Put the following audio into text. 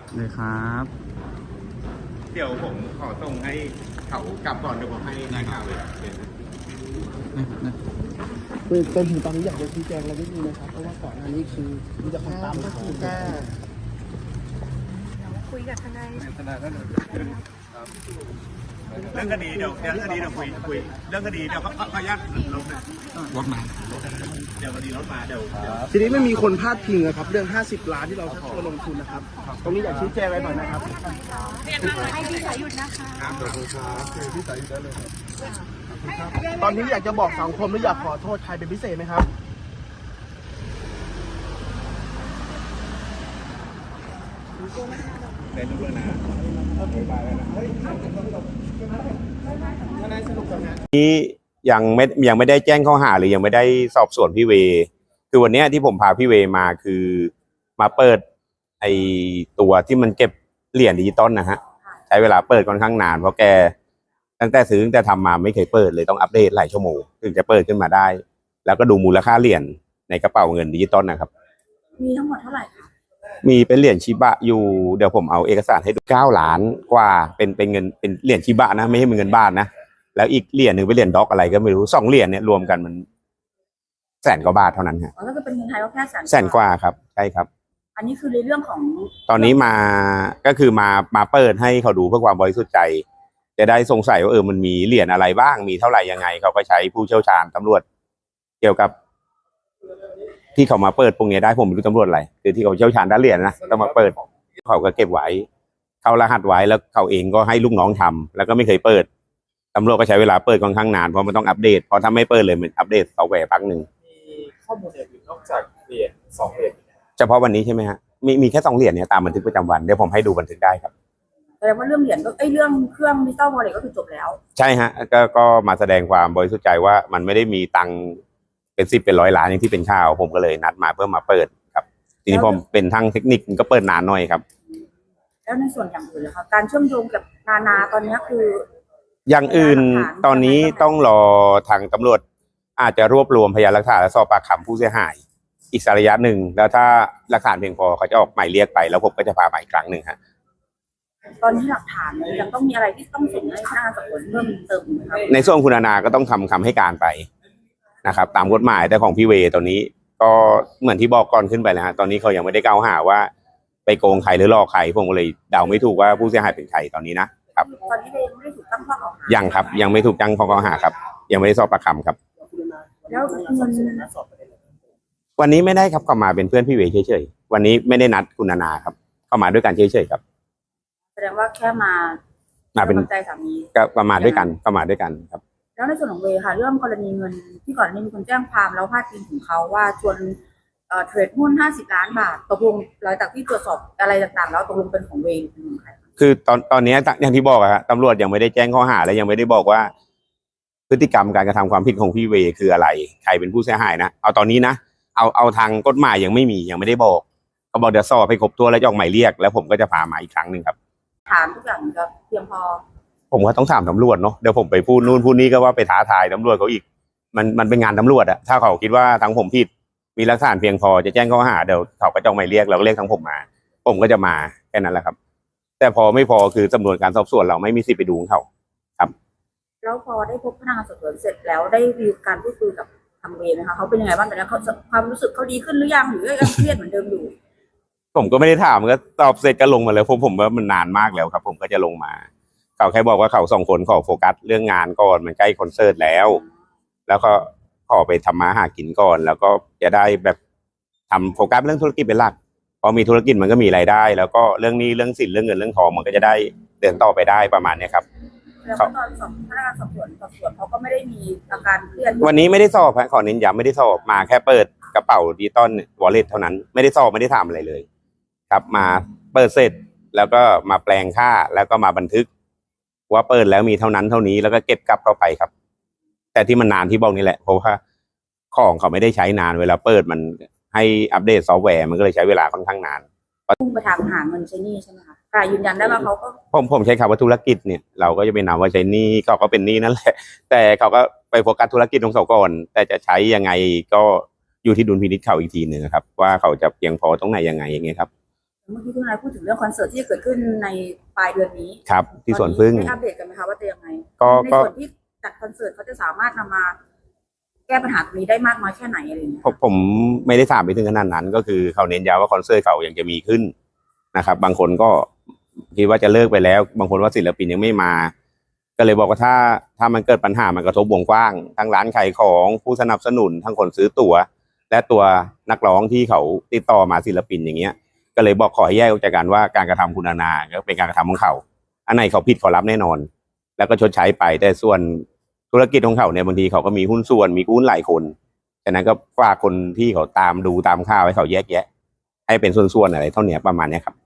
เลยครับเดี๋ยวผมขอส่งให้เขากลับก่อนเดี๋ยวผมให้นายข่าวเลยคือจนถึงตอนนี้อยากจะชี้แจงอะไรนิดนึงนะครับเพราะว่าก่อนหน้านี้คือมีแต่คนตามมาคุยกันคุยกับทนายเรื่องคดีเดี๋ยวคุยเรื่องคดีเดี๋ยวขออนุญาตลงนะรถมาเดี๋ยวคดีรถมาเดี๋ยวทีนี้ไม่มีคนพาดพิงนะครับเรื่อง50 ล้านที่เราชักชวนลงทุนนะครับตรงนี้อยากชี้แจงอะไรหน่อยนะครับให้พี่สายหยุดนะคะพี่สายหยุดได้เลยตอนนี้อยากจะบอกสังคมหรืออยากขอโทษใครเป็นพิเศษไหมครับเป็นเรื่องนะนี้ยังไม่ได้แจ้งข้อหาหรือยังไม่ได้สอบสวนพี่เวคือวันนี้ที่ผมพาพี่เวมาคือมาเปิดไอตัวที่มันเก็บเหรียญดิจิตอลนะฮะใช้เวลาเปิดค่อนข้างนานเพราะแกตั้งแต่ทำมาไม่เคยเปิดเลยต้องอัปเดตหลายชั่วโมงถึงจะเปิดขึ้นมาได้แล้วก็ดูมูลค่าเหรียญในกระเป๋าเงินดิจิตอลนะครับมีทั้งหมดเท่าไหร่คะมีเป็นเหรียญชิบะอยู่เดี๋ยวผมเอาเอกสารให้ดู9 ล้านกว่าเป็นเงินเป็นเหรียญชิบะนะไม่ใช่เป็นเงินบาทนะแล้วอีกเหรียญหนึ่งเป็นเหรียญด็อกอะไรก็ไม่รู้2 เหรียญเนี่ยรวมกันมัน100,000 กว่าบาทเท่านั้นครับก็คือเป็นเงินไทยก็แค่ 100,000 กว่าครับใช่ครับอันนี้คือในเรื่องของตอนนี้มาก็คือมาเปิดให้เขาดูเพื่อความบริสุทธิ์ใจจะได้สงสัยว่ามันมีเหรียญอะไรบ้างมีเท่าไหร่ยังไงเขาก็ใช้ผู้เชี่ยวชาญตำรวจเกี่ยวกับที่เขามาเปิดพวกนี้ได้ผมไม่รู้ตำรวจอะไรคือที่เขาเชี่ยวชาญด้านเหรียญนะต้องมาเปิดเขาก็เก็บไว้เขารหัสไว้แล้วเขาเองก็ให้ลูกน้องทำแล้วก็ไม่เคยเปิดตำรวจก็ใช้เวลาเปิดค่อนข้างนานเพราะมันต้องอัปเดตเพราะถ้าไม่เปิดเลยมันอัปเดตซอฟต์แวร์พักหนึ่งมีข้อมูลอื่นนอกจากเหรียญ2 เหรียญเฉพาะวันนี้ใช่ไหมฮะมีแค่2 เหรียญเนี่ยตามบันทึกประจำวันเดี๋ยวผมให้ดูบันทึกได้ครับแสดงว่าเรื่องเหรียญก็เรื่องเครื่องดิจิตอลวอลเล็ตก็คือจบแล้วใช่ฮะก็มาแสดงความบริสุทธิ์ใจว่ามันไม่ได้มีตังค์เป็น10เป็น100 ล้านอย่างที่เป็นข่าวผมก็เลยนัดมาเพื่อมาเปิดครับทีนี้ผมเป็นทางเทคนิคก็เปิดนานหน่อยครับแล้วในส่วนอย่างอื่นล่ะคะการเชื่อมโยงกับนาตอนนี้คืออย่างอื่นตอนนี้ต้องรอทางตำรวจอาจจะรวบรวมพยานหลักฐานและสอบปากคำผู้เสียหายอีกระยะหนึ่งแล้วถ้าหลักฐานเพียงพอเขาจะออกหมายเรียกไปแล้วผมก็จะพาไปอีกครั้งหนึ่งฮะตอนนี้หลักฐานยังต้องมีอะไรที่ต้องส่งให้พนักงานสอบสวนเพิ่มเติมครับในส่วนคุณนาก็ต้องทำคำให้การไปนะครับตามกฎหมายแต่ของพี่เวตอนนี้ก็เหมือนที่บอกก่อนขึ้นไปแล้วฮะตอนนี้เขายังไม่ได้กล่าวหาว่าไปโกงใครหรือหลอกใครผมก็เลยเดาไม่ถูกว่าผู้เสียหายเป็นใครตอนนี้นะครับตอนนี้ยังไม่ได้ถูกตั้งข้อกล่าวหายังครับยังไม่ถูกตั้งข้อกล่าวหาครับยังไม่ได้สอบปากคำครับแล้วเงินวันนี้ไม่ได้ครับเข้ามาเป็นเพื่อนพี่เวเฉยๆวันนี้ไม่ได้นัดคุณนาครับเข้ามาด้วยกันเฉยๆครับแสดงว่าแค่มาเป็นใจสามีก็ประมาณด้วยกันเข้ามาด้วยกันครับแล้วในส่วนของเวค่ะเรื่องกรณีเงินที่ก่อนนี้มีคนแจ้งความแล้วพาดพิงถึงเขาว่าชวนเทรดหุ้น50 ล้านบาทตกลงหลังจากที่ตรวจสอบอะไรต่างๆแล้วตกลงเป็นของเวเป็นของใครคือตอนนี้อย่างที่บอกอะฮะตำรวจยังไม่ได้แจ้งข้อหาและยังไม่ได้บอกว่าพฤติกรรมการกระทำความผิดของพี่เวคืออะไรใครเป็นผู้เสียหายนะเอาตอนนี้นะเอาทางกฎหมายยังไม่ได้บอกเขาบอกเดี๋ยวสอบให้ครบถ้วนแล้วจะออกหมายเรียกแล้วผมก็จะพามาอีกครั้งหนึ่งครับถามทุกอย่างจะเพียงพอผมก็ต้องถามตำรวจเนาะเดี๋ยวผมไปพูดนู่นพูดนี่ก็ว่าไปท้าทายตำรวจเขาอีกมันเป็นงานตำรวจอะถ้าเขาคิดว่าทางผมผิดมีหลักฐานเพียงพอจะแจ้งข้อหาเดี๋ยวเขาก็จะออกหมายเรียกเราก็เรียกทางผมมาผมก็จะมาแค่นั้นแหละครับแต่พอไม่พอคือตำรวจการสอบสวนเราไม่มีสิทธิ์ไปดูเขาครับแล้วพอได้พบพนักงานสอบสวนเสร็จแล้วได้มีการพูดคุยกับทางเวรนะคะเขาเป็นยังไงบ้างตอนนี้เขาความรู้สึกเขาดีขึ้นหรือยังหรือยังเครียดเหมือนเดิมอยู่ผมก็ไม่ได้ถามก็ตอบเสร็จก็ลงมาแล้วผมว่ามันนานมากแล้วครับผมก็จะลงมาเขาแค่บอกว่าเขา2 คนขอโฟกัสเรื่องงานก่อนมันใกล้คอนเสิร์ตแล้วก็ขอไปทำมาหากินก่อนแล้วก็จะได้แบบทำโฟกัสเรื่องธุรกิจเป็นหลักพอมีธุรกิจมันก็มีรายได้แล้วก็เรื่องนี้เรื่องสินเรื่องเงินเรื่องทองมันก็จะได้เดินต่อไปได้ประมาณนี้ครับแล้วตอนพนักงานสอบสวนเขาก็ไม่ได้มีอาการเครียดวันนี้ไม่ได้สอบขอเน้นย้ำไม่ได้สอบมาแค่เปิดกระเป๋าดิจิตอลวอลเล็ตเท่านั้นไม่ได้สอบไม่ได้ทำอะไรเลยครับมาเปิดเสร็จแล้วก็มาแปลงค่าแล้วก็มาบันทึกว่าเปิดแล้วมีเท่านั้นเท่านี้แล้วก็เก็บกลับเข้าไปครับแต่ที่มันนานที่บอกนี่แหละเพราะว่าของเขาไม่ได้ใช้นานเวลาเปิดมันให้อัปเดตซอฟต์แวร์มันก็เลยใช้เวลาค่อนข้างนานพุ่งไปทางหาเงินใช้หนี้ใช่ไหมคะยืนยันได้ว่าเขาก็ผมใช้คำว่าธุรกิจเนี่ยเราก็จะไปนำว่าใช้หนี้เขาก็เป็นหนี้นั่นแหละแต่เขาก็ไปโฟกัสธุรกิจของเขาก่อนแต่จะใช้ยังไงก็อยู่ที่ดุลพินิจเขาอีกทีหนึ่งครับว่าเขาจะเพียงพอตรงไหนยังไงอย่างเงี้ยครับเมื่อกี้คุณนายพูดถึงเรื่องคอนเสิร์ตที่จะเกิดขึ้นในปลายเดือนนี้ครับ ที่สวนพึ่งได้อัปเดตกันไหมคะว่าจะยังไงก็ในส่วนที่จัดคอนเสิร์ตเขาจะสามารถนำมาแก้ปัญหาตรงนี้ได้มากน้อยแค่ไหนอะไรอย่างเงี้ยผมไม่ได้ถามไปถึงขนาดนั้น ก็คือเขาเน้นย้ำว่าคอนเสิร์ตเขายังจะมีขึ้นนะครับ บางคนก็คิดว่าจะเลิกไปแล้ว บางคนว่าศิลปินยังไม่มา ก็เลยบอกว่าถ้ามันเกิดปัญหามันกระทบวงกว้างทั้งร้านขายของผู้สนับสนุนทั้งคนซื้อตั๋วและตัวนักร้องที่เขาติดต่อมาศิลปินอย่างเงี้ย ก็เลยบอกขอให้แยกออกจากกันว่าการกระทำคุณนานาก็เป็นการกระทำของเขาอันไหนเขาผิดเขารับแน่นอน แล้วก็ชดใช้ไปแต่ส่วนธุรกิจของเขาเนี่ยบางทีเขาก็มีหุ้นส่วนมีหุ้นหลายคนฉะนั้นก็ฝากคนที่เขาตามดูตามข่าวให้เขาแยกแยะให้เป็นส่วนๆอะไรเท่านี้ประมาณนี้ครับ